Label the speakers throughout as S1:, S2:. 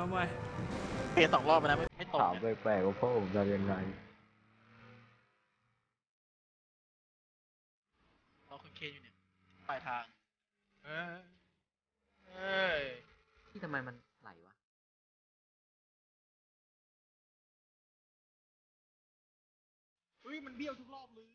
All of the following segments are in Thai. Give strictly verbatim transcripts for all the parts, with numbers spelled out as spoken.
S1: ำไม
S2: เปลี่ยนสองรอบไปนะไม่ไม่ตรง
S3: ถามแปลกๆว่าพ่อผมจะยังไง
S2: เราคุณเคอยู่เนี่ยปลายทางเออเอ้ย
S3: ที่ทำไมมันไหลวะ
S2: อุ้ยมันเบี้ยวทุกรอบเลย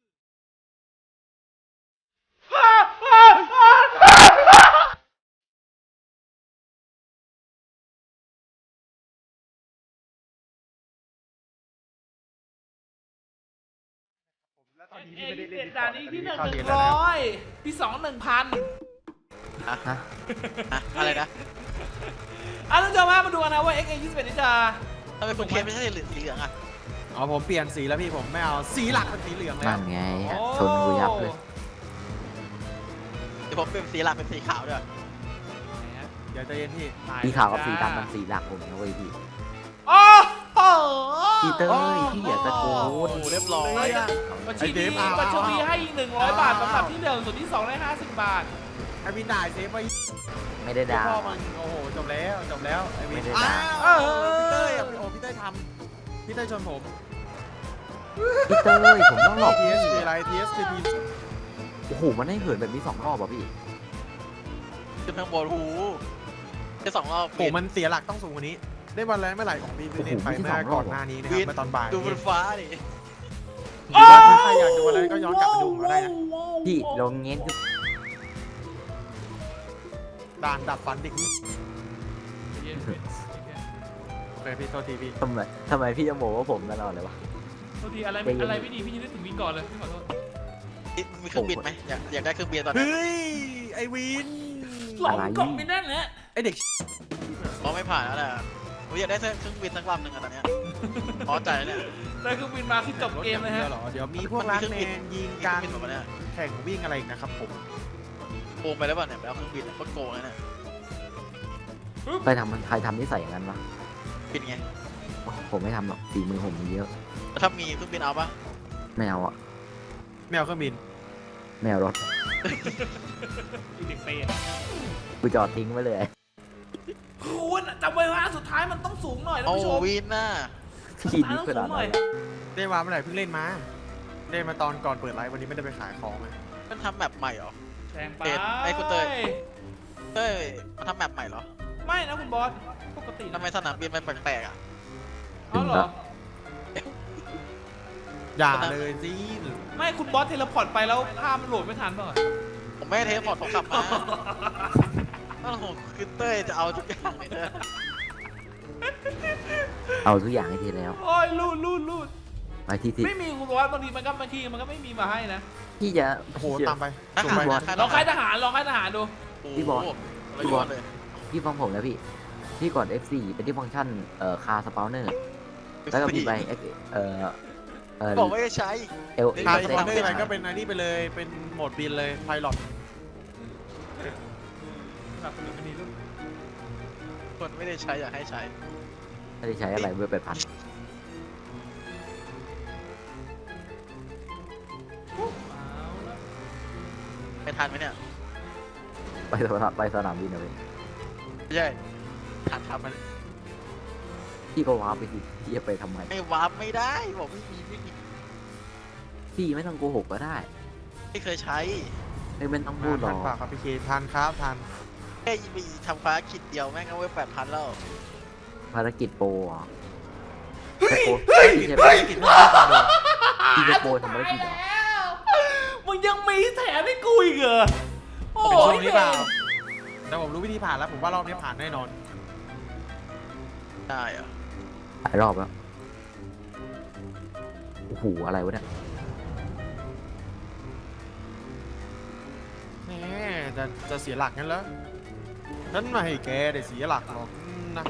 S1: เอ็นเอ็นด่านนี้ที่หนึ่งหนึ่งร้อยที่สองหนึ่งพัน
S2: ฮะฮะอะไรนะ
S1: อ่ะท่านผู้ชมมาดูกันนะว่า เอ็กซ์ เอ ยี่สิบเอ็ด นี่จะ
S2: ทำไมคุณเคไม่ใช่สีเหลืองอ่ะ
S4: อ๋อผมเปลี่ยนสีแล้วพี่ผมไม่เอาสีหลักเป็นสีเหลืองแล้ว
S3: นั่นไงชนกูยับเลย
S2: เดี๋ยวผมเป็นสีหลักเป็นสีขาวด้วย
S4: เดี๋ยวใจเย็นพี่
S3: สีขาวกับสีดำมันสีหลักผมนะเว้ยพี่
S1: โอ้โห
S3: พี่เต้ยพี่อย่าตะโกน
S2: โอ้เรียบร้อย
S1: บัญชีดีบัญชีดีให้อีกหนึ่งร้อยบาทสำหรับที่หนึ่งส่วนที่สองได้ห้าสิบบาท
S4: ไอวินด่าเซฟไป
S3: ไม่ได้ด่า
S4: พ่อมันโอ้โหจบแล้วจบแล้วไอวิน
S3: ไม่ได้
S4: อ้า
S3: ด่า
S4: วพี่เต้ยโอ้พี่เต้ยทำพี่เต้ยชนผม
S3: พี่เต้ยผมต้องหลอก
S4: ที
S3: พี่
S4: เอสคืออะไร ที เอส คือที
S3: โอ้โหมันให้เหินแบบนี้สองรอบอ่ะพี่
S2: ขึ้นข้างบนหูแค่สองรอบ
S4: โอ้มันเสียหลักต้องสูงกว่านี้ ได้วันแรกเมื่อไหร่ของพี่ไปเล่นไปเมื่อก่อนหน้านี้นะครับเมื่อตอนบ่าย
S2: ดูบนฟ้าดิ
S4: หรือว่าถ้าใครอยากดูอะไรก็ย้อนกลับไปดูมาได้นะ
S3: พี่ลงเงี้ยคือ
S4: ด่านดับฟันเด็กนี่โอเคพี่โทษทีพี่
S3: ทำไมทำไมพี่จะโมว่าผมตลอดเลยวะ
S1: บางทีอะไรไม่อะไรไม่ดีพี่จะนึกถึงวินก่อนเลยพี่ขอโทษ
S2: มีเครื่องบินไหมอยากอยากได้เครื่องบินตอนนี้
S4: เฮ้ยไอวิน
S1: หลงกล่องไม่แน่นแหละ
S4: ไอเด็ก
S2: เพราะไม่ผ่านแล้วแหละผมอยากได้เครื่องบินสักลำหนึ่งอะตอนเนี้ยพอใจแล้วเนี่ย
S1: ได้เครื่องบินมาคือจบเกมเลยฮะ
S4: เดี๋ยวเหรอเดี๋ยวมีพวกร้านแมนยิงกัน
S2: เครื่องบินแบบเนี้ย
S4: แข่งวิ่งอะไรอีกนะครับผม
S2: โกงไปแล้วป่ะเนี่ยไปเอาเครื่องบินโคตรโกงเลยเนี่ย
S3: ไปทำมันใครทำนิสัยอย่างนั้นวะ
S2: บินไง
S3: ผมไม่ทำหรอกฝีมือผมมีเยอะ
S2: ถ้ามีเครื่องบินเอาปะ
S3: ไม่เอาอ่ะ
S4: ไม่เอาเครื่องบิน
S3: ไม่เอารถ
S1: อีเด็กเปรต
S3: กูจอดทิ้งไว้เลย
S1: คุณจำไว้ว่าสุดท้ายมันต้องสูงหน่อยนะ
S2: โอ้
S1: ผู้ชม
S2: วินน่ะ
S3: พี่นี่ขนาด
S1: หน่
S3: นั้
S1: อย
S3: น
S4: ได้มาเมื่อไหร่เพิ่งเล่นมาเล่นมาตอนก่อนเปิดไลฟ์วันนี้ไม่ได้ไปขายของไง
S2: มันทำแมปใหม่เหรอ
S1: แซงไป
S2: เอ็ดไอ้คุณเต้ย เต้ยมันทำแมปใหม่เหรอ
S1: ไม่นะคุณบอสปกติ
S2: ทำไมสนามบินมันแปลกๆอ่ะ
S1: เอาเหรอ
S4: อย่าเลยสิ
S1: ไม่คุณบอสเทเลพอร์ตไปแล้วภาพมันโหลดไม่ทันเปล่า
S2: ผมไม่ได้เทสพอร์ตผมกลับมาต้องผมคือเต้ยจะเอาทุกอย่างเลยนะ
S3: เอาทุกอย่างให้ทีแล้ว
S1: โอ้ยลูดลูดลูด
S3: ไปที่ที่
S1: ไม่มีคุณบอสบางทีมันก็บางทีมันก็ไม่มีมาให้นะ
S3: พี่จะ
S4: โอ้โหตามไป
S2: ทหาร
S3: บอส
S1: ลองค่ายทหารลองค่ายทหารดู
S3: พี่บอส
S2: พี่บอสเลย
S3: พี่ฟังผมนะพี่ พี่กด เอฟ โฟร์ เป็นที่ฟังก์ชันเอ่อคาสปาวเนอร์ แล้วก็พี่ไปเอ่อเอ่อ
S2: บอกว่าจะใช้
S3: เอล
S4: ทาง
S3: เซ
S4: สปอนเซอร์อะไรก็เป็นอันนี้ไปเลยเป็นโหมดบินเลยไพลอต
S1: แบบคนนี้ลูก
S2: คนไม่ได้ใช้อยากให้ใช้
S3: ไม่ได้ใช้อะไรเบอร์แปดพัน
S2: ไปทันไหมเนี่ย
S3: ไปสนามไปสนามบินนะพี่
S2: ไม่ใช่ทันทำมัน
S3: พี่ก็ว้าร์ปไปสิพี่จะไปทำไม
S2: ไม่วาร์ปไม่ได้บอกไม่มีไม่มี
S3: พี่ไม่ต้องโกหกก็ได้
S2: ไม่เคยใช้
S3: ไม่เป็นต้องพูดหร
S4: ทั
S3: อน ก
S4: ปากครับพี่เคทานครับทาน
S2: แค่ไปทำภารกิจเดียวแม่งก็เว้ยแปดพันแล้ว
S3: ภารกิจโปรอ่ะจะโปรพี่จะ
S4: ภารกิจไม่ได้ทำเลย
S3: พี่จะโปรทำภารกิจเหรอ
S1: มึงยังมีแถมให้กูอีกเหรอโอ้
S4: เป็นช่
S1: ยว
S4: งนี้เปล่าแต่ผมรู้วิธีผ่านแล้วผมว่ารอบนี้ผ่านแน่นอน
S2: ได้เหรอ
S3: หลายรอบแล้วโอ้โหอะไรวะเนี่ย
S4: แหมจะจะเสียหลักงั้นเหรอฉันไม่ให้แกได้เสียหลักหรอกนะ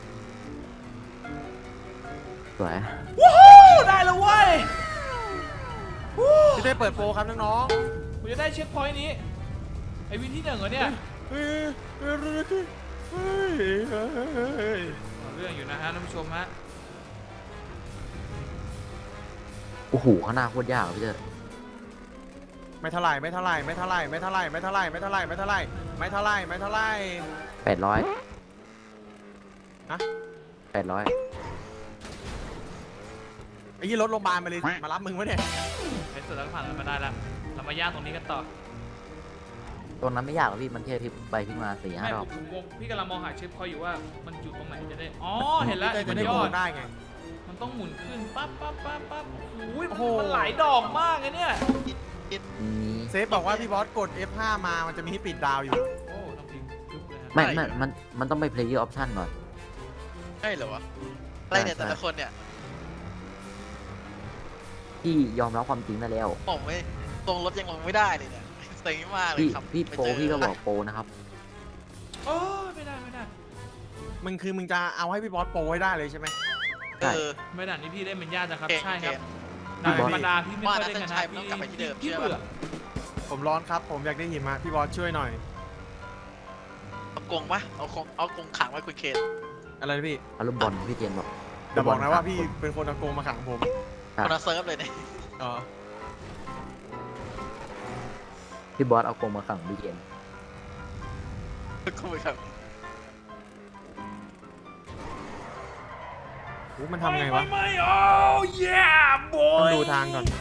S3: สวย
S1: วู้ฮู้ได้แล้วเว้ยวู้
S4: ที่ได้เปิดโปรครับน้อง
S1: กูจะได้เช็คพอยต์นี้ไอวินที่หนึ่งเหรอเนี่ย
S4: ๆเฮ้ยเฮ้ยเฮ้ยเฮ้ย
S1: เรื่องอยู่นะฮะท่านผู้ชมฮะ
S3: โอ้โหข้างหน้าโคตรยากอะพี่เจอ
S4: ไม่เท่าไหร่ไม่เท่าไหร่ไม่เท่าไหร่ไม่เท่าไหร่ไม่เท่าไหร่ไม่เท่าไหร่ไม่เท่าไหร่ไม่เท่าไหร่ไม่เท่าไหร่
S3: แปดร้อย
S4: ฮฮะ
S3: แปดร้อย
S4: ไอ้ยี่รถโรงพยาบาลมาเลยมารับมึงวะเนี่ย
S1: ในสุดแล้วก็ผ่านมันมาได้แล้วเรามาย่างตรงนี้กันต่อ
S3: ตรงนั้นไม่ยากหรอกพี่มันแค่พลิกไปพลิกมาสี่ห้า
S1: ไม่
S3: รอบ
S1: ผมงงพี่กำลังมองหาเชฟพอยอยู่ว่ามันอยู่ตรงไหนจะได้อ๋อเห็นแล้ว
S4: จะ
S1: มัน
S4: ได้
S1: ย
S4: โห
S1: อ
S4: ว
S1: ด
S4: ตได้ไง
S1: มันต้องหมุนขึ้นปั๊บปั๊บปั๊บปั๊บโอ้ย
S4: โอ้โห
S1: มันหลายดอกมากเลยเนี่ย
S3: อืม
S4: เซฟบอกว่าพี่บอสกด เอฟ ห้า มามันจะมีให้ปิดดาวอยู่
S1: โอ้ต้องพิมพ์ทึบเลยฮะ
S3: ไม่ไม่มันมันต้องไป player option ก่อน
S2: ใช่เหรอวะอะไรเนี่ยแต่ละคนเนี่ย
S3: พี่ยอมรับความจริงได้แล้ว
S2: ผมไม่ตรงรถยังลงไม่ได้เลยเนี่ยเซ็งมากเลย
S3: พี่
S2: ครับ
S3: พี่
S2: ไป
S3: โปร
S2: เจอ
S3: พี่ก็บอกโปรนะครับ
S1: โอ้ยไม่ได้ไม่ได้
S4: มึงคือมึงจะเอาให้พี่บอสโปรให้ได้เลยใช่ไหม
S2: เออ
S1: ไม่ด่านนี้พี่เล่นเป็นญาตินะครับ
S2: โอเค
S1: ใช่ครับ
S2: โอเค
S1: ด่าน
S3: พี่บอส
S1: ธรรมดาพี่ไม่ค่อยเล่นกันนะ
S2: ว่าน่าจะใช่ไม่ต้องกลับไปที่เดิม
S1: พี่
S2: เชื่อ
S1: เบื่อ
S4: ผมร้อนครับ ผมอยากได้หิมะพี่บอสช่วยหน่อย
S2: เอากรงปะเอากรงเอากรงขังไว้คุณเคน
S4: อะไรนะพี่
S3: อารมณ์บอลพี่เจนบอก
S4: อย่าบอกนะว่าพี่เป็นคนเอาโกงมาขังผม
S2: คนละเซิร์ฟเลยเนี่ย
S4: เออ
S3: พี่บอสเอากรงมาขังพี่เจน
S2: กูไปครับ
S4: โหมันทำไงวะ
S1: ไม่ไม่โอ้ยบอ
S4: ต้อง
S1: ย
S4: ดูทางก่อน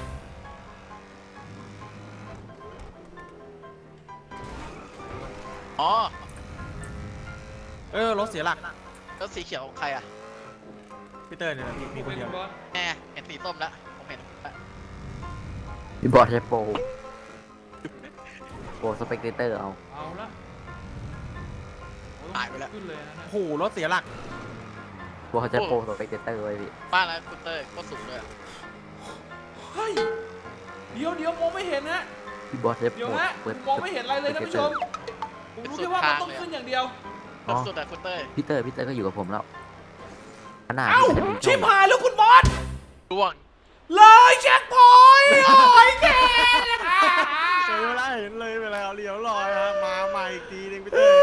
S2: อ๋อ
S4: เออรถเสียหลัก
S2: แล้วสีเขียวของใครอ่ะ
S4: พี่เตอร์เนี่ยนะพี่มีคนเดียว
S1: บอส
S2: แน่เห็นสีส้มแล้วผมเห็นละ
S3: พี่บอสใช้โปรโปรสเปกเตอร์เอา
S1: เอาละโอ้
S2: หายไปแล้ว
S1: ขึ้นเลยนะ
S4: โอ้โหรถเสียหลัก
S3: บอสใช้โปรสเปกเตอร์ไว้พี่
S2: บ้านแล้วคุณเต้ยก็สูงเลยอะ
S1: เฮ้ยเดี๋ยวเดี๋ยวมองไม่เห็นฮะ
S3: พี่บอสใช้โป
S1: เดี๋ยว
S3: ร
S1: ฮะ
S3: เปิด
S1: มองไม่เห็นอะไรเลยท่านผู้ชมผมรู้แค่ว่ามันต้องขึ้นอย่างเดียว
S3: อ๋อ
S2: สุดอะคุณเต้ย
S3: พี่เตอร์พี่เตอร์ก็อยู่กับผมแล้วขนาด
S1: เอ้า
S3: พี่จะมี
S1: ชิบ
S3: ช่อง
S1: หายแล้วคุณบอส
S2: ร่วง
S1: เลยเช็คพอยต์โอ้ยแก
S4: เจอเวลาเห็นเลยเวลาเลี้ยวลอยฮะมาใหม่อีกทีหนึงพี่เตอร์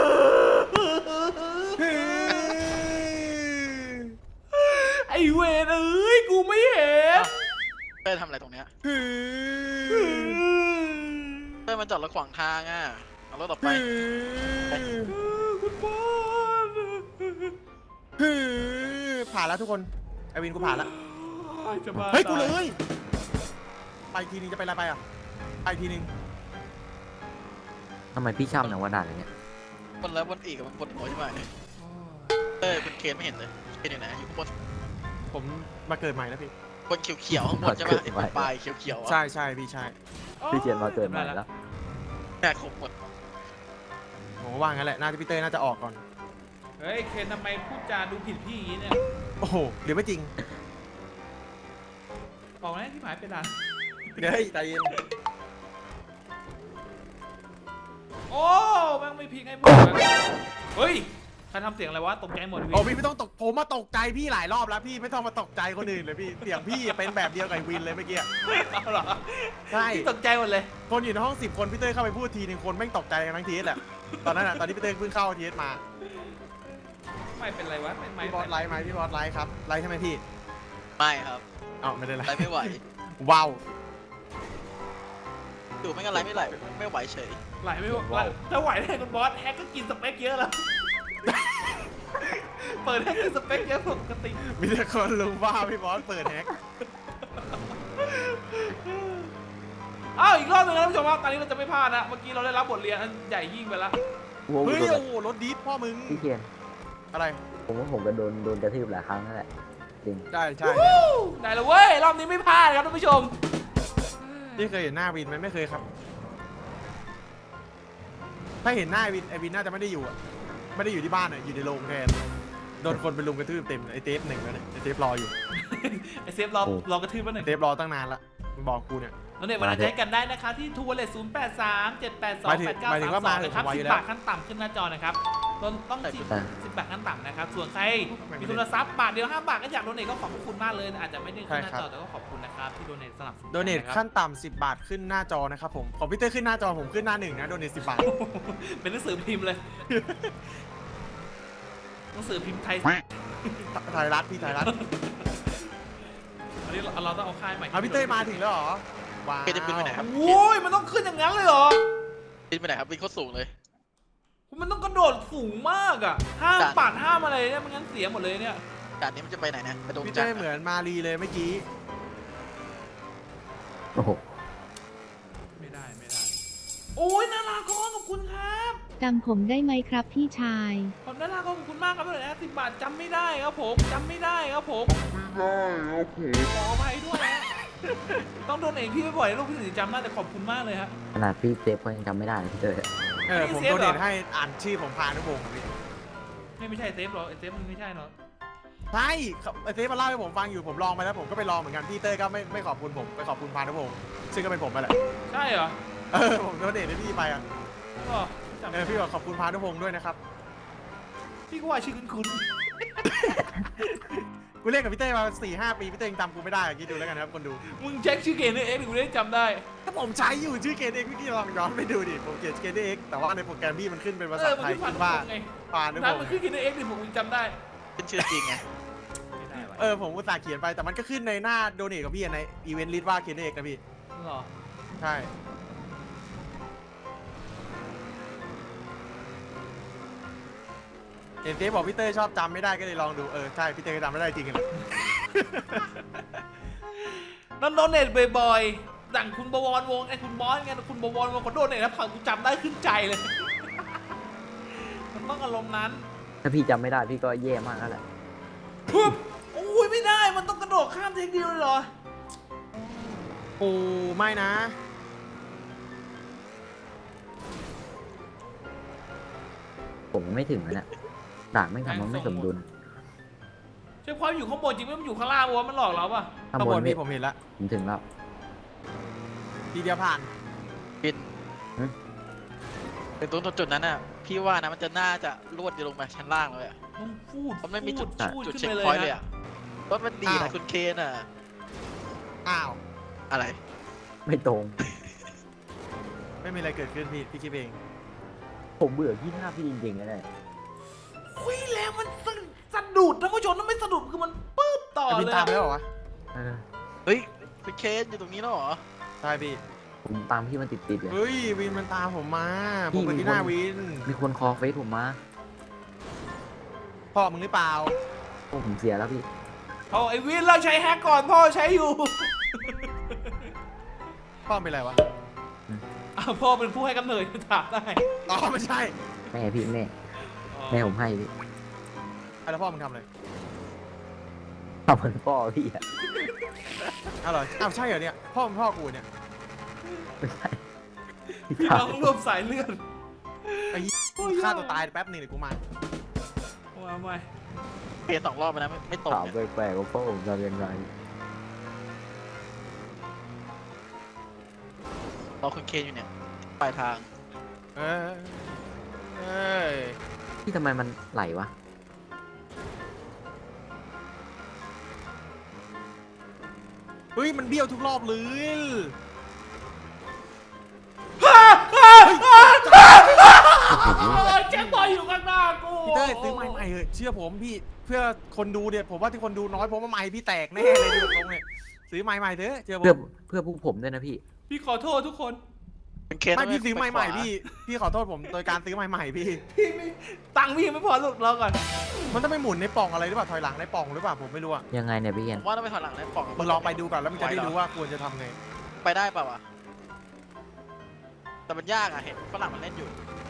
S1: ไอเวรเอ้ยกูไม่เห็น
S2: เต้ยทำอะไรตรงเนี้ยเต้ยมันจอดรถขวางทางอ่ะเอารถออกไป
S1: คุณบอส
S4: ผ่านแล้วทุกคนไอวินกูผ่านแล้ว
S1: จะมา
S4: เฮ้ยกูเลยไปอีกทีนึงจะไปอะไรไปอ่ะไปอีกทีนึง
S3: ทำไมพี่ช่ำอย่างว่าด่านอะไรเนี่ย
S2: บนแล้วบนอีกอะมันบนหัวใช่ไหมเต้ยคุณเคนไม่เห็นเลยเคนอยู่ไหนอยู่ข้างบน
S4: ผมมาเกิดใหม่แล้วพี่
S2: บนเขียวๆข้างบนใช่ไหมไอ้ปลายเขียวๆอะ
S4: ใช่ใช่พี่ใช่
S3: พี่เจนมาเกิดใหม่แล้ว
S2: แม่ครบหมด
S4: ผมว่างั้นแหละน่าจะพี่เต้ยน่าจะออกก่อน
S1: เฮ้ยเคนทำไมพูดจาดูผิดพี่อย่างนี้เนี่ย
S4: โอ้โหเดี๋ยวไม่จริง
S1: บอกนะที่หมายเป็นอะไร
S4: เดี๋ยวให้ใจเย็น
S1: โอ้แม่งไม่พิงให้พูดเฮ้ยใครทำเสียงอะไรวะตกใจหมดวิ
S4: โอ้พี่ไม่ต้องตกผมมาตกใจพี่หลายรอบแล้วพี่ไม่ต้องมาตกใจคนอื่นเลยพี่เสียงพี่เป็นแบบเดียวกับไอ้วินเลยเมื่อกี้
S1: เอาเหรอ
S4: ใช่
S1: พี่ตกใจหมดเลย
S4: คนอยู่ในห้องสิบคนพี่เต้ยเข้าไปพูดทีนึงคนแม่งตกใจกันทั้งทีแหละตอนนั้นอ่ะตอนนี้พี่เต้ยเพิ่งเข้าทีมา
S1: ไม่เป็นไรวะไม่ไม่
S4: พี่บอสไลฟ์ไหมพี่บอสไลฟ์ครับไลฟ์ใช่ไหมพี่
S2: ไม่ครับ
S4: เอ้าไม่ได้ไล
S2: ไร
S4: ฟ์
S2: ไม่ไหว
S4: ว้าว
S2: ดูไม่งั้นไรไม่ไหลไม่ไหวเฉย
S1: ไหลไม่ไหวถ้าไหวได้คุณบอสแฮกก็กินสเปคเยอะแล้ว เปิดให้กินสเปคเยอะปกติ
S4: มีแต่คนรู้ว่าพี่บอสเปิดแฮก
S1: อ้าวอีกรอบหนึงนะท่านผู้ชมว่าตอนนี้เราจะไม่พลาดนะเมื่อกี้เราได้รับบทเรียนอันใหญ่ยิ่งไปแล้ว
S3: โว้ว
S4: เฮ้ย
S3: โดน
S4: โอ้โหรถดิฟพ่อมึง
S3: พี่เจน
S4: อะไร
S3: ผมว่าผมก็โดนโดนกระทืบหลายครั้งนั่นแหละจริง
S4: ใช่ใช่
S1: วู้ได้แล้วเว้ยรอบนี้ไม่พลาดครับท่านผู้ชม
S4: นี่เคยเห็นหน้าวินไหมไม่เคยครับ ถ้าเห็นหน้าไอวินไอวินน่าจะไม่ได้อยู่อะไม่ได้อยู่ที่บ้านอะอยู่ในโรงแทนโดนคนไปลุมกระทืบเต็มไอเทปหนึ่งแล้วเนี่ยไอเทปรออยู่
S1: ไอเซฟรอรอกระทืบมาหนึ่ง
S4: เทปรอตั้งนานละมึงบอกกูเนี่ย
S1: แล้วเนี่ยวันนี้ใช้กันได้นะครับที่ทูวอลเล็ตศูนย์แปดสามเจ็ดแปดสองแปดเก้า
S4: หมายถึ
S1: สาม
S4: งว่า
S1: ส
S4: มา
S1: อง
S4: ถึง
S1: นะครับ
S4: ผมไว้อ
S1: สิ
S4: ยู่
S1: บ
S4: แล้ว
S1: บาทขั้นต่ำขึ้นหน้าจอนะครับต้องต้องสิบสิบบาทขั้นต่ำนะครับส่วนใครมีทุนทรัพย์บาทเดียวห้าบาทก็อยากโดเนทก็ขอบคุณมากเลยอาจจะไม่ได้ขึ้นหน้าจอแต่ก็ขอบคุณนะครับที่โดเนทสนับสนุน
S4: โดเนทขั้นต่ำสิบบาทขึ้นหน้าจอนะครับผมของพี่เต้ขึ้นหน้าจอผมขึ้นหน้าหนึ่งนะโดเนทสิบบาท
S1: เป็นหนังสือพิมพ์เลยหนังสือพิมพ์ไทย
S4: ไทยรัฐพี่ไทยรัฐ
S1: อันนี้เราต้องเอาค่ายใหม่
S4: เอาพี่เต้มาถึงแล้วเหรอว้าว
S2: เคนจะบินไปไหนครับ
S1: โอ้ยมันต้องขึ้นอย่างนั้นเลยเหรอ
S2: บินไปไหนครับบินโคตรสูงเลย
S1: คุณมันต้องกระโดดสูงมากอ่ะห้าม
S2: จ้ะ
S1: ปาดห้ามอะไรเนี่ยไม่งั้นเสียหมดเลยเนี่ย
S2: ด่านนี้มันจะไปไหนนะไปดง
S4: พี่
S2: จั
S4: เต้
S2: นทร์
S4: เหมือนมารีเลยเมื่อกี้
S3: โอ้โห
S1: ไม่ได้ไม่ได้ โอ้ยนาราก้อนขอบคุณครับ
S5: จำผมได้ไหมครับพี่ชาย
S1: ขอบนาราก้อนขอบคุณมากครับเลยนะสิบบาทจำไม่ได้ครับผมจำไม่ได้ครับผมไม่ได้ครับผมขออภัยด้วยนะต้องโดนเองพี่ไม่บ่อยนะลูกพี่ถึงจะจำได้แต่ขอบคุณมากเลยครับ
S3: ขนาดพี่เซฟก็ยังจำไม่ได้เลยพี่เตอร์
S4: เออ ผม
S1: เซฟ
S4: โด
S1: เหร
S4: เน
S1: อ
S4: ทให้อ่านชื่อผมพานุพงศ์ครับพี่
S1: ไม่ไม่ใช่เซฟหรอกไอ้เซฟมันไม่ใช่เนาะ
S4: ใช่ครับไอเซฟมาเล่าให้ผมฟังอยู่ผมลองไปแล้วผมก็ไปลองเหมือนกันพี่เต้ก็ไม่ไม่ขอบคุณผมไปขอบคุณพานุพงศ์ซึ่งก็เป็นผมไปแหละ
S1: ใช่เหรอ
S4: เออผมโดเนทให้พี่ไปอ่ะ
S1: ก็จำ
S4: เออพี่บอกขอบคุณพานุพงศ์ด้วยนะครับ
S1: พี่ก็ว่าชื่อคุณคุณ
S4: กูเล่นกับพี่เต้มาสี่ห้าปีพี่เต้ยังจำกูไม่ได้อะคิดดูแล้วกันนะครับคนดู
S1: มึงเช็คชื่อเกมในเอ็กซ์กูได้จำได้
S4: ถ้าผมใช้อยู่ชื่อเกนเอ็กพี่ลองย้อนไปดูดิผมเขียนเกนเอ็กแต่ว่าในโปรแกรมพี่มันขึ้นเป็นภา
S1: เอ
S4: ษา
S1: อมัน
S4: ไทย
S1: คือผ่าน
S4: ขึ้นว่า
S1: ไง
S4: พานุพ
S1: นั้น
S4: ง
S1: มัน
S4: ศ์
S1: คือเกมในเอ็กซ์ดิผมจำได้
S2: เป็นชื่อจริงไง
S1: ไม่ได้วะ
S4: เออผมอุตส่าห์เขียนไปแต่มันก็ขึ้นในหน้าโดเนทกับพี่อะในอีเวนต์ลิสต์ว่าเกนเอ็กนะพี่
S1: หรอ
S4: ใช่เห็นเซฟบอกพี่เต้ชอบจำไม่ได้ก็เลยลองดูเออใช่พี่เต้ก็จำไม่ได้จริงกันเลย
S1: นั่นโดนเนทบ่อยๆดังคุณบวรวงไอ้คุณบอสไงคุณบวรวงเขาโดนเนทแล้วผังกูจำได้ขึ้นใจเลย มันต้องอารมณ์นั้น
S3: ถ้าพี่จำไม่ได้พี่ก็แย่มากแล้วแหละ
S1: ปึ๊บโอ้ยไม่ได้มันต้องกระโดดข้ามเทคเดียวเลยเหรอ
S4: โอ้ไม่นะ
S3: ผมไม่ถึงแล้วเนี่ยด่านไม่งทำมันไม่สมดุล
S1: ใช่ความอยู่ข้างบนจริงไหมมันอยู่ข้างล่างวะมันหลอกเราป่ะ
S3: ข้าง
S4: ข้าง
S3: บบ
S4: น
S3: นพี่
S4: พี่ผมเห็นแล้ว
S3: ผมถึงแล้ว
S4: ทีเดียวผ่าน
S2: บิน
S3: หึ
S2: เป็นตรงจุดนั้นน่ะพี่ว่านะมันจะน่าจะลวดอยู่ลงมาชั้นล่างเลยอะ
S1: ต้องพูด
S2: มันไม่มีจุด
S1: พูด
S2: จุด
S1: ขึ้น
S2: เช็ค
S1: ไปเลย
S2: พอยต์เลย
S1: นะ
S2: อะรถมันดีนะคุณเคนอะ
S4: อ้าว
S2: อะไร
S3: ไม่ตรง
S4: ไม่มีอะไรเกิดขึ้นพี่พี่คิดเอง
S3: ผมเบื่อพี่หน้าพี่จริงๆเลยเนี่ย
S1: คุยแล้วมันสะสะดุดท่านผู้ชมถ้าไม่สะดุดคือมันปึ๊บต่อ
S4: ไอ้บิน
S1: เลย
S4: ตาม
S1: อะ
S4: ไปแล้วเหรอวะ
S3: เออ
S2: เฮ้ยคุณเคนอยู่ตรงนี้แล้วเหรอ
S4: ใช่พี่
S3: ผมตามพี่มันติดๆเลย
S4: เฮ้ยวินมันตามผมมา
S3: พี่
S4: ผมไป
S3: มี
S4: ที่
S3: คน
S4: หน้าวิน
S3: มีคนคอเฟซผมมา
S4: พ่อมึงหรือเปล่า
S3: โอ้ผมเสียแล้วพี่
S1: เอาไอ้วินเราใช้แฮกก่อนพ่อใช้อยู่
S4: พ่อเป็นไรวะ
S1: อ้าวพ่อเป็นผู้ให้กำเนิดถามได้
S4: อ๋อไม่ใช่
S3: แม่พี่แม่แม่ผมให้พี่
S4: อ่ะแล้วพ่อมึงทำอะไร
S3: ทำเหมือนพ่อพี่อะ
S4: อ้าวเหรออ้าวใช่เหรอเนี่ยพ่อมึงพ่อกูเนี่ย
S3: ไม่ใช่
S1: พี่น้องรวมสายเลือด
S4: ไอ้เหี้ยฆ่าตัวตายแป๊บหนึงเดี๋ยวกูมา
S1: ว่าไม่
S2: เคนสองรอบไปนะไม่ไม่ตรง
S3: ถาม
S2: เนี่ย
S3: แปลกๆว่าพ่อผมทำยังไง
S2: รอคุณเคนอยู่เนี่ยปลายทาง
S4: เอ้ยเอ้ย
S3: พี่ทำไมมันไหลวะ
S4: เฮ้ยมันเบี้ยวทุกรอบเลย
S1: แจ็คบอยอยู่ข้างหน้ากู
S4: พี่เต้ยซื้อไม้ใหม่เถอะเชื่อผมพี่เพื่อคนดูเนี่ยผมว่าที่คนดูน้อยผมว่าไม้พี่แตกแน่เลยดูตรงเนี่ยซื้อไม้ใหม่เถอะเชื่อผ
S3: เพื่อ
S4: ม
S3: เพื่อพวกผมด้วยนะพี่
S1: พี่ขอโทษทุกคน
S2: คุณเคน
S4: ไม่
S2: ต้ง
S4: พี่ซื้อไม้ใหม่
S2: ปขวา
S4: พี่พี่ขอโทษผมโดยการซื้อไม้ใหม่พี่
S1: พี่ไม่ตังค์พี่ยังไม่พอลูกเราก่อน
S4: มันต้องไปหมุนในปล่องอะไรหรือเปล่าถอยหลังในปล่องหรือเปล่าผมไม่รู้อะ
S3: ยังไงเนี่ยพี่เอีย
S2: ผ
S3: น
S2: มว่าต้องไปถอยหลังนะปล่อง
S4: มึงลองไปดูก่อนแล้วมึงจะได้รู้ว่าควรจะทำไง
S2: ไปได้เปล่าวะแต่มันยากอะเห็นฝรั่งมันเล่นอยู่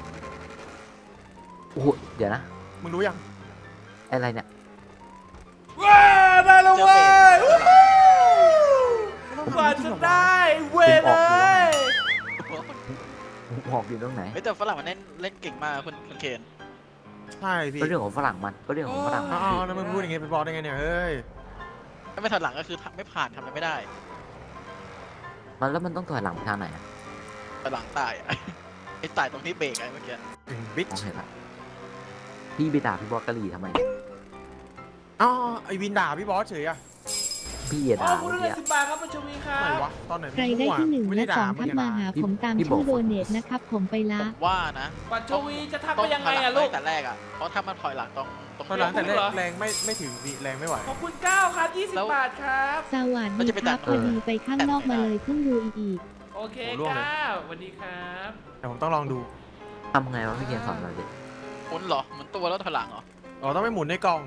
S3: โอ้โหเดี๋ยวนะ
S4: มึงรู้ยัง
S3: อะไรเนี่ย
S1: ว้าได้แล้วเว้ยวู้ฮู้กว่าจะได้เว้ยเลย
S3: ผมบอกอยู่ตรงไหน
S2: เฮ้ยแต่ฝรั่งมันเล่นเล่นเก่งมากคุณคุณเคน
S4: ใช่พี่
S3: ก็เรื่องของฝรั่งมันก็เรื่องของฝรั่งมัน
S4: อ้าวแล้วมึงพูดอย่างงี้ไปบอกได้ไงเนี่ยเฮ้ย
S2: ถ้าไม่ถอยหลังก็คือไม่ผ่านทำอะไรไม่ได้
S3: มันแล้วมันต้องถอยหลังไปทางไหนอะ
S2: ถอยหลังตายอะ ไอ้ตายตรงที่เบรกไอ้เมื่อกี้
S4: บิ๊ก
S3: มองเห็นละพี่ไปด่าพี่บอสกะหรี่ทำไมเนี่ย
S4: อ๋อไอวินด่าพี่บอสเฉยอะ
S3: พี่อย่า
S1: อ๋อ
S3: ด่า
S1: คุณ
S3: เมื่อ
S1: ได้
S3: กี้
S1: สิบบาทครับปัญชวีครั
S4: ไหน
S1: บ
S4: วะตอนไหน
S5: ใครได้ที่หนึ่ง
S4: ไม่
S5: และ
S4: ได้
S5: ส
S4: ด่า
S5: อง
S4: มึ
S5: ทั
S4: ง
S5: ก
S4: อะ
S5: มา
S4: นะ
S5: หาผมตามชื่อโดเนทนะครับผมไป
S2: ผ
S5: ละ
S2: มว่านะ
S1: ปัญชวีจะทัก
S2: ต้
S1: ไป
S2: อง
S1: ยังไง
S2: ถอยหลั
S1: อะลูก
S2: แต่แรกอะเพราะถ้ามันถอยหลังตรงตรง
S4: ตอนหลังแต่แร
S1: เหร
S4: ก
S1: อ
S4: แรงไม่ไม่ถึงพี่แรงไม่ไหว
S1: ขอบคุณเก้าครับยี่สิบบาทครับ
S5: สวัสดีครับพอดีไปข้างนอกมาเลยเพิ่งดูอีก
S1: โอเค
S4: โอ้ร่วงเลย
S1: เก้าสวัสดีครับ
S4: แต่ผมต้องลองดู
S3: ทำไงวะพี่เกียนสอนเราดิ
S2: หมุนเหรอหมุนตัวแล้วถอยหลังเหรอ
S4: อ๋อต้องไปหมุนในกล่อง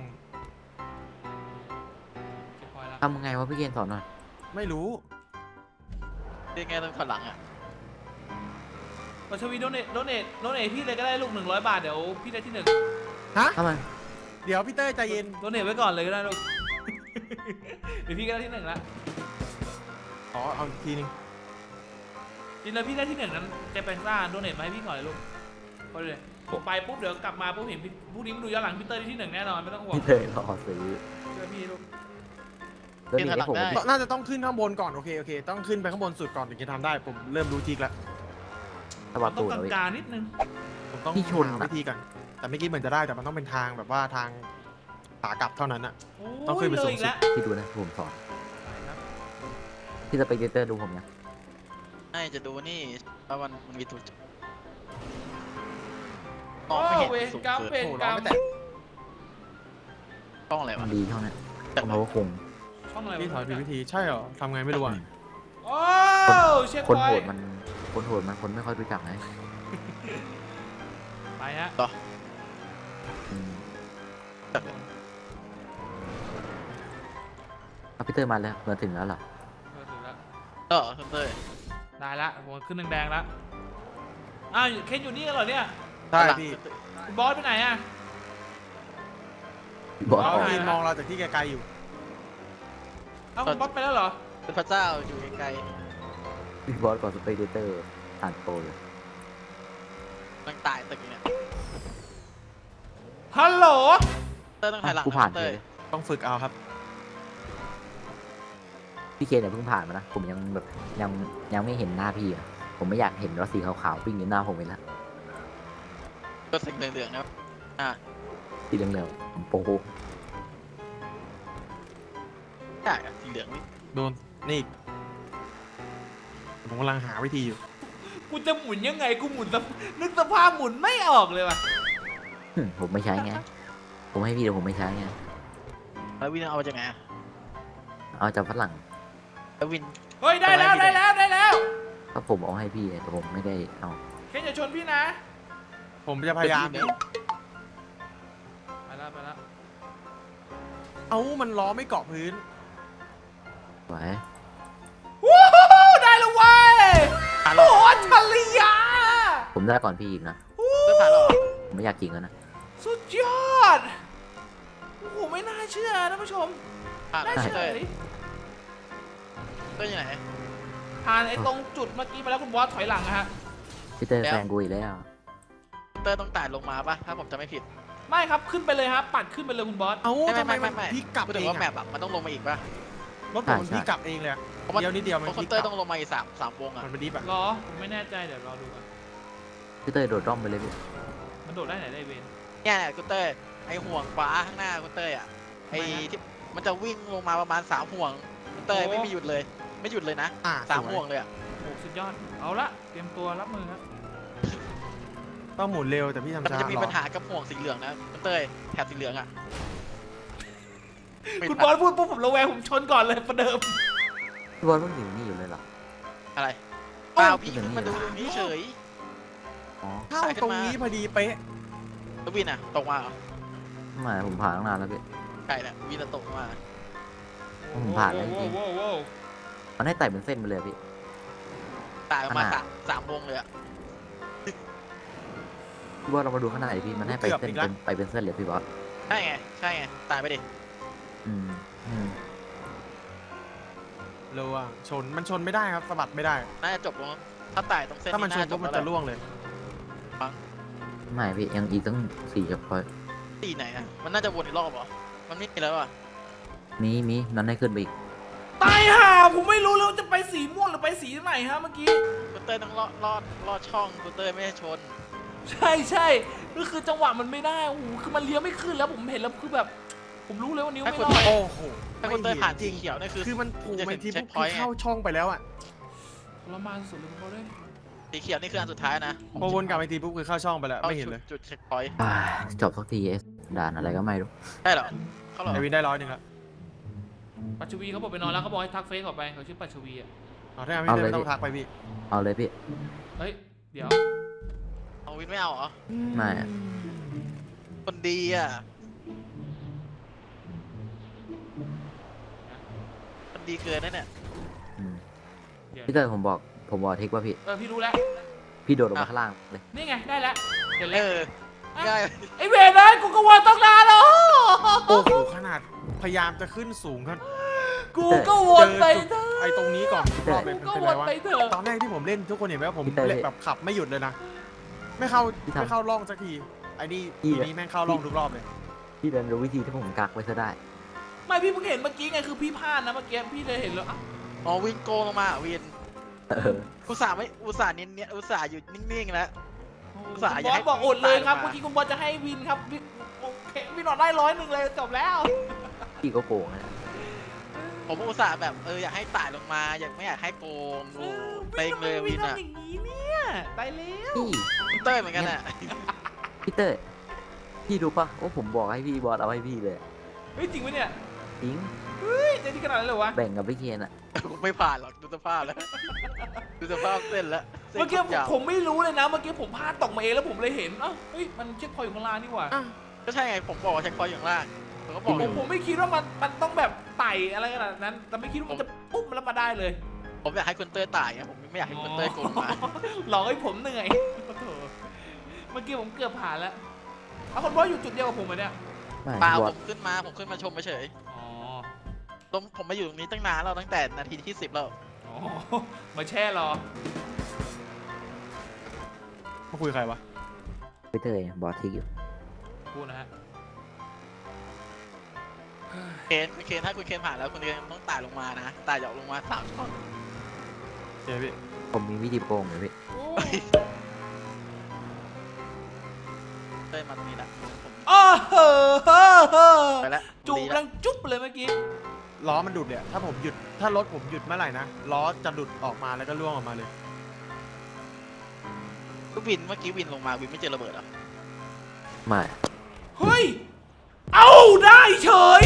S1: เก็บพอยละ
S3: ทำไงวะพี่เกณฑ์สอนหน่อย
S4: ไม่รู้
S2: เรียกไงต้องถอยหลังอ่ะ
S1: ปัชวีโดเนทโดเนทโดเนทพี่เลยก็ได้ลูกหนึ่งร้อยบาทเดี๋ยวพี่ได้ที่หนึ่ง
S4: ฮะ
S3: ทำไม
S4: เดี๋ยวพี่เต้ยใจเย็น
S1: โดเนทไว้ก่อนเลยก็ได้ลูก เดี๋ยวพี่ก็ได้ที่หนึ่งละ
S4: อ๋อเอาอีกทีนึง
S1: จริงแล้วพี่ได้ที่หนึ่งนั้นจะเป็นซ่าโดเนทมาให้พี่ก่อนเลยลูกพอเลยผมไปปุ๊บเดี๋ยวกลับมาปุ๊บเห็นพี่พรุ่งนี้มาดูย้อนหลังพี่เตอร์ได้ที่หนึ่งแน่นอนไม่ต้องห่วง
S3: พี่เตยรอซื้อ
S1: เชื่อพี่ลูก
S3: แล้วนี่ให้ผม
S4: น่าจะต้องขึ้นข้างบนก่อนโอเคโอเคต้องขึ้นไปข้างบนสุดก่อนถึงจะทำได้ผมเริ่มรู้ทริกแล้ว
S3: สวัส
S1: ต้อ
S3: ดี
S1: ง
S3: เลย
S1: กลางๆนิดนึง
S4: ผมต้อง
S3: พี่ชน
S4: หา
S3: อะ
S4: วิธีก่อนแต่เมื่อกี้เหมือนจะได้แต่มันต้องเป็นทางแบบว่าทางขากลับเท่านั้นอะ
S1: โอ้
S4: ต้องขึ้
S1: ย
S4: นไป
S1: เล
S4: สู
S1: ย
S4: ง
S1: อีก
S4: สุด
S1: แล้ว
S3: พี่ดูนะผมสอน
S1: ไปครับ
S3: พี่สเปกเตอร์ดูผมนะ
S2: ให้จะดูนี่ว่ามันมันมีตัวจุดม
S1: โอ้
S2: องไม่เห็น
S1: เวร
S2: สูง
S1: กรรม
S2: เกิน
S1: เวร
S4: โอ้โห
S1: กร
S4: เรา
S1: รม
S4: ไม่แตะ
S2: ต้องอะไร
S3: มั
S2: วะ
S3: นดีช่องนั้นต้องเขาคง
S1: ช่องอะไร
S4: พี่ถอยผิด
S1: วะ
S4: วิธีใช่เหรอทำไงไม่รู้อะ
S1: โอ้เช็ค
S3: คน
S1: ไว้
S3: โหดมันคนโหดมันคนไม่ค่อยรู้จักไง
S1: ไปฮะ
S3: อืมเอาพี่เตยมาแล้วมาถึงแล้วเหรอ
S1: เออถึงแล้ว
S2: เออคุณเต้ย
S1: ได้ละผมขึ้นแดงๆแล้วอ้าวเคนอยู่นี่กันเหรอเนี่ย
S4: ใช่พี่
S1: คุณบอสไปไหนอะ
S3: บอก
S1: เอา
S4: เขา
S1: ไง
S4: ยืนมองเราจากที่ไกลๆอยู่
S1: เอ้าคุณบอสไปแล้วเหรอ
S2: เป็นพระเจ้าอยู่ไกล
S3: พี่บอสก่อนสเปกเตอร์อ่านโปรเลย
S2: ๆมันตายตึกเนี่ย
S1: ฮัลโหล
S2: เต้ยต้องถอยหลัง
S3: กูผ่าน
S2: เต้
S3: เลย ย
S4: ต้องฝึกเอาครับ
S3: พี่เคนเนี่ยเพิ่งผ่านมานะผมยังแบบยังยังไม่เห็นหน้าพี่อะผมไม่อยากเห็นรถสีขาวๆวิ่งอยู่หน้าผมเลยละ
S2: ก็สีเหลืองๆนะอ่ะ
S3: สีเหลืองๆผมโปร
S2: ใช่อะสีเหลืองนี่
S4: โดนนี่อีกผมกำลังหาวิธีอยู่
S1: กูจะหมุนยังไงกูหมุนสภนึกสภาพหมุนไม่ออกเลยว่ะ
S3: หึผมไม่ใช้ไงผมให้พี่แต่ผมไม่ใช้ไง
S2: แล้ววินเอามาจากไหนอะ
S3: เอาจากฝรั่ง
S2: แล้ววิน
S1: เฮ้ยได้แล้วได้แล้วได้แล้ว
S3: ก็ผมเอาให้พี่แต่ผมไม่ได้เอา
S1: เคนอย่าชนพี่นะ
S4: ผมจะพยายาม
S2: เนี่
S4: นี่
S1: ไปแล้วไปแล้ว
S4: เอ้ามันล้อไม่เกาะพื้น
S3: ไว้
S1: วู้ฮู้ได้แล้วเว้ย
S2: ผ่าน
S1: โอ้
S2: หรอ
S1: โหอัจฉริยะ
S3: ผมได้ก่อนพี่อีกนะ
S2: เต้ยผ่านหรอ
S3: ผมไม่อยากจริงแล้วนะ
S1: สุดยอดโอ้โหไม่น่าเชื่อท่านผู้ชม
S2: ผ่าน
S1: น่า
S2: เต้
S1: เฉ
S2: ย
S1: ย
S2: เต้ยอยู่ไหน
S1: ผ่านไอ้ตรงจุดเมื่อกี้มาแล้วคุณบอสถอยหลังนะฮะ
S3: พี่เตอร์
S2: แล้ว
S3: แฟนกูอีกแล้ว
S2: เต้ยต้องไต่ลงมาป่ะถ้าผมจะไม่ผิด
S1: ไม่ครับขึ้นไปเลยครับปัดขึ้นไปเลยคุณบอส
S4: เอ้า
S2: ไม่
S4: ทำไม
S2: ไม่
S4: มัน
S2: ไม่ไม่
S4: พลิกกลับ
S2: พูด
S4: เอ
S2: ถึง
S4: ง
S2: ว่าแม
S4: อะ
S2: ปอะมันต้องลงมาอีกป่ะ
S4: รถผมมันพลิกกลับเองเลยอะ
S2: เพราะมัน
S4: เดียวนิดเดียว
S2: เพ
S4: มัน
S2: ราะ
S4: พ
S2: คุ
S4: ลิ
S2: ณ
S4: ก
S2: เต้ย
S4: กลั
S2: ต้อบ งลงมาอีกสามสามวงอะ
S4: มันเป็นดิฟอะ
S1: รอผมไม่แน่ใจเดี๋ยวรอดูกัน
S3: พี่เตอร์โดดร่องไปเลยพี่
S1: มันโดดได้ไหนได้เวน
S2: เนี่ยเนี่ยคุณเต้ยไอห่วงฟ้าข้างหน้าคุณเต้ยอะไอที่มันจะวิ่งลงมาประมาณสามห่วงคุณเต้ยไม่มีหยุดเลย ไม่หยุดเลยนะ
S4: อ่ะ
S2: สาม
S4: สวย
S2: ห่วงเลยอะ
S1: โอ้สุดยอดเอาละเตรียมตัวรับมือครับ
S4: ต้องหมุนเร็วแต่พี่ทำ
S2: มัน
S4: ช้า
S2: จะมี
S4: หรอ
S2: ปัญหากับห่วงสีเหลืองนะคุณเต้ยแถบสีเหลืองอะไม่
S1: คุณ
S2: ทั
S1: บอน สพูดปุ๊บผมระแวงผมชนก่อนเลยประเดิม
S3: พี่บอสเพิ่งอยู่นี่อยู่เลยเหรอ
S2: อะไรเปล่าพี่
S3: เอ้า
S2: ขึ้นมาดูตรงนี้เฉย
S3: อ๋อ
S4: เข้าตรงนี้พอดีเป๊ะ
S2: แล้ววินอะตกมาเหรอ
S3: ไม่ผมผ่านตั้งนานแล้วพี่
S2: ใช่แหละวินอะตกมา
S3: ผมผ่านแล้วจริง
S1: โว้วโว้ว
S3: มันให้ไต่เป็นเส้นไปเลยพี่
S2: ตายประมาณ
S3: ขนาด
S2: สามสามวงเลยอะ
S3: พี่บอสเรามาดูข้างในดิพี่มันให้ไปเส้นเป็นไปเป็นเส้นเลยพี่บอส
S2: ใช่ไงใช่ไงตายไปดิ
S3: อืมอืม
S4: เร็วอะชนมันชนไม่ได้ครับสะบัดไม่ได้
S2: น่าจะจบลงถ้าตายตรงเส้น
S4: ถ้ามันชน
S2: จ
S4: ปุ๊
S2: บบ
S4: มัน
S2: แล้ว
S4: จะล่วงเลย
S3: ไม่พี่ยังอีกตั้งสี่จะพอย
S2: ตีไหนอะมันน่าจะวนอีกรอบเหรอมันไม่มีแล้วอะ
S3: มีมีนั้นให้ขึ้นไปอีก
S1: ตายห่าผมไม่รู้เลยว่าจะไปสีม่วงหรือไปสีไหนฮะเมื่อกี้
S2: คุณเต้ยต้องลอดลอดลอดช่องคุณเต้ยไม่ให้ชน
S1: ใช่ใช่ก็คือจังหวะมันไม่ได้โอ้โหคือมันเลี้ยวไม่ขึ้นแล้วผมเห็นแล้วคือแบบ ผมรู้เลยว่านิ้วไม่รอด
S4: โอ้โห
S2: ถ้าคุณเต้ยผ่าน
S4: จ
S2: สี
S4: ริง
S2: เขียวนี่คือ
S4: คือมันผูกไปที
S2: เช็
S4: ปุ๊
S2: ค
S4: บ
S2: พอย
S4: คือ
S2: ต์ไง
S4: เข้าช่องไปแล้วอะ
S1: ทรมานสุดเลยคุณบอสเลย
S2: สีเขียวนี่คืออันสุดท้ายนะ
S4: พอวนกลับไปทีปุ๊บคือเข้าช่องไปแล้ว
S2: ข้า
S4: ไม่เห็นเลย
S2: จุดเช็คพอยต์
S3: อ่าจบสักทีเอสด่านอะไรก็ไม่รู้
S2: ได้เหรอเขาเหรอ
S4: ไอวินได้ร้อยหนึ่งแล้ว
S1: ปัชวีเขาบอกไปนอนแล้วเขาบอกให้ทักเฟซออกไปเขาชื่อปัชวีอ่ะ
S4: เอาถ้างั้นพี่เต้ยไม่ต้องทักไปพี่
S3: เอาเลยพี่
S1: เฮ้ยเดี๋ยว
S2: เอาวินไม่เอาเหรอ
S3: ไม่
S2: คนดีอ่ะคนดีเกินนะเนี่ย
S3: อืม
S1: เดี๋ยว
S3: พี่เต้ยผมบอกผมบอกเทคว่าพี่
S1: เออพี่รู้แล้ว
S3: พี่โดดลงมาข้างล่างเลย
S1: นี่ไงได้แล้วเดี๋ยว
S2: เอ
S1: เล่น
S2: อง่าย
S1: ไอเวรเลยกูก็วนต้องนานแล้ว
S4: โอ้โหขนาดพยายามจะขึ้นสูงครับ
S1: กูก็วนไป
S4: เจอ
S1: เถ
S4: จุด
S1: อะ
S4: ไอ้ตรงนี้ก่อนรอบเป็น
S1: ก็
S4: เป็น
S1: ว
S4: ไร
S1: น
S4: วะ
S1: ไปเถอะ
S4: ตอนแรกที่ผมเล่นทุกคนเห็นไหมว่าผม
S3: พี่เต้ย
S4: เล่นแบบขับไม่หยุดเลยนะ ไม่เข้า
S3: พี่ทำ
S4: ไม่เข้าร่องสักทีไอ้นี่
S3: พี่
S4: ทีนี้แม่งเข้าร่องทุกรอบเลย
S3: พี่เดินรู้วิธีที่ผมกักไว้ซะได้
S1: ไม่พี่เพิ่งเห็นเมื่อกี้ไงคือพี่พลาดนะเมื่อกี้พี่เลยเห็นแล้วอ่ะ
S2: อ๋อวินโกงลงมาวิน
S3: เออ
S2: อุตส่าห์ไม่อุตส่าห์เน้นเนี่ยอุตส่าห์อยู่นิ่งๆแล้ว อุตส่าห์
S1: คุณ
S2: อบ ยาก
S1: อ
S2: ให้
S1: สบอกอดเลยครับ
S2: ตายลงมา
S1: เมื่อกี้คุณบอสจะให้วินครับวินโอเควินออกได้ร้อยหนึ่งเลยจบแล้ว
S3: พี่ก็โกงนะ
S2: ผมอุตส่าห์แบบเอออยากให้ตายลงมาอยากไม่อยากให้โกงโอ้เต็งเลยวินอ่ะ
S1: ทำอย่างนี้เนี่ยตายแล้ว
S3: พี่
S2: คุณเต้ยเหมือนกันอ่ะ
S3: พี่เต้ยพี่รู้ปะว่าผมบอกให้พี่บอสเอาให้พี่เลย
S1: เฮ้ยจริงไหมเนี่ย
S3: จริง
S1: เฮ้ยใจดีขนาดนั้นเลยวะ
S3: แบ่งกับพี่เคนอะ
S2: กูไม่ผ่านหรอกดูสภาพแล้วดูสภาพเส้นแล้วส้น
S1: เมื่อกี้ผม
S2: ยาว
S1: ผมไม่รู้เลยนะเมื่อกี้ผมพลาดตกมาเองแล้วผมเลยเห็นเอ้าเฮ้ยมันเช็คพอยต์อยู่ข้างล่างนี่หว่า
S4: อ่ะ
S2: ก็ใช่ไงผมบอกว่าเช็คพอยต์อยู่ข้างล่างผมก็บอก
S1: ผ
S2: เล
S1: ม
S2: ย
S1: ผมไม่คิดว่ามันมันต้องแบบไต่อะไรขนาดนั้น แต่ไม่คิดว่ามันจะปุ๊บแล้วมาได้เลย
S2: ผมอยากให้คุณเต้ยตายไงผมไม่อยากให้คุณเต้ยโกงมา
S1: หลอกให้ผมเหนื่อยโอ้โหเมื่อกี้ผมเกือบผ่านแล้วเอาคนบอสอยู่จุดเดียวกับผมเหรอเนี่ย
S3: ไม่
S2: เปล่า
S3: บอ
S2: ผ
S3: ส
S2: มขึ้นมาผมขึ้นมาชมเฉย
S1: อ๋อ
S2: ๆตรงผมมาอยู่ตรงนี้ตั้งนานแล้วตั้งแต่นาทีที่สิบแล้ว
S1: อ๋อมาแช่รอ
S4: มาคุยกับใครวะ
S3: พี่เต้ยบอสเทคอยู่
S1: พูดนะฮะ
S2: เคนคุณเคนถ้าคุณเคนผ่านแล้วคุณเคนต้องตายลงมานะตายหยอกลงมาสามช่อง
S4: เจ๊พี่
S3: ผมมีวิธีโกงเลยพี่
S1: โอ้
S2: เต้ยมาตรงนี้ละผม
S1: โอ้โห
S2: ไปแล้ว
S1: จูบ
S2: ดี
S1: ดั
S2: ละ
S1: งจุ๊บเลยเมื่อกี้
S4: ล้อมันดุดเนี่ยถ้าผมหยุดถ้ารถผมหยุดเมื่อไหร่นะล้อจะดุดออกมาแล้วก็ล่วงออกมาเลย
S2: ก็วินเมื่อกี้วินลงมาวินไม่เจอระเบิดเหรอ
S3: ไม่
S1: เฮ้ย เอาได้เฉย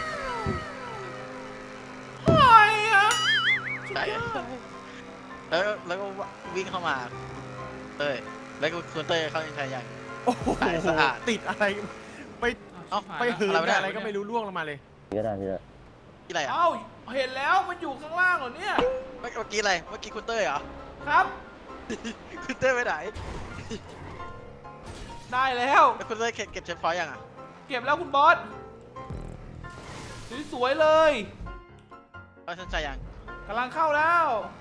S1: เฮ้ยอะ
S2: ใช่แล้วแล้วก็วิ่งเข้ามาเต้ยแล้วก็คุณเต้ยเข้าใช้ยัง
S4: โอ้โห
S2: สายสะอาด
S4: ติดอะไรไป
S2: เอ้า
S4: ไปหืน
S2: อะไรวะเนี่ย
S4: อะไรก็ไม่รู้ล่วงลงมาเลย
S3: ก็ได้พี่เต้ย
S2: ที่อะไรอ่ะ
S1: เอ้าเห็นแล้วมันอยู่ข้างล่างเหรอเนี่ย
S2: เมื่อกี้อะไรเมื่อกี้คุณเต้ยเหรอ
S1: ครับ
S2: คุณเต้ยไปไหน
S1: ได้แล้ว
S2: แล้วคุณเต้ยเก็บเก็บเช็คพอยต์ยังอ่ะ
S1: เก็บแล้วคุณบอส สวยๆเลย
S2: เอาสนใจยัง
S1: กำลังเข้าแล้ว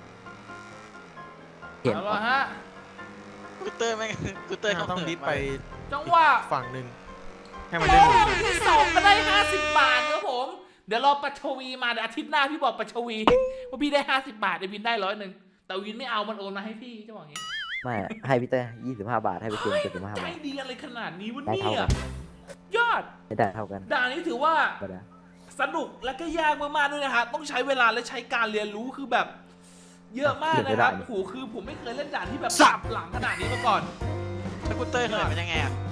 S3: เห็น
S1: เอาละฮะ
S2: คุณเต้ยไม่งคุณเต้ยเขา
S4: ต้อง
S2: เหิน
S4: ดิฟ
S2: มา
S4: ไป
S1: จังหวะ
S4: ฝั่งหนึ่งให้มันได้หมุน
S1: ที่สองก็ได้ห้าสิบบาทครับผม เดี๋ยวรอปัชวีมาเดี๋ยวอาทิตย์หน้าพี่บอกปัชวีว่าพี่ได้ห้าสิบบาทเดี๋ยววินได้ร้อยหนึ่งแต่วินไม่เอามันโอนมาให้พี่จะบอกอย่างงี้
S3: ไม่ให้พี่เต้ยยี่สิบห้าบาทให้พี่เคนเจ็ดสิบห้า
S1: ใจ
S3: บาท
S1: ดีอะไรขนาดนี้วะ
S3: ได้
S1: เนี่
S3: เท่าย กัน
S1: ยอด
S3: ไม่ได้เท่ากัน
S1: ด่านนี้ถือว่า
S3: ก็ได้
S1: สนุกและก็ยากมากๆด้วยนะฮะต้องใช้เวลาและใช้การเรียนรู้คือแบบ เยอะมากนะครับโอ้โหคือผมไม่เคยเล่นด่านที่แบบสับหลังขนาดนี้มาก่อน
S2: แล้วคุณเต้ยเหินเป็นยังไงอ่ะ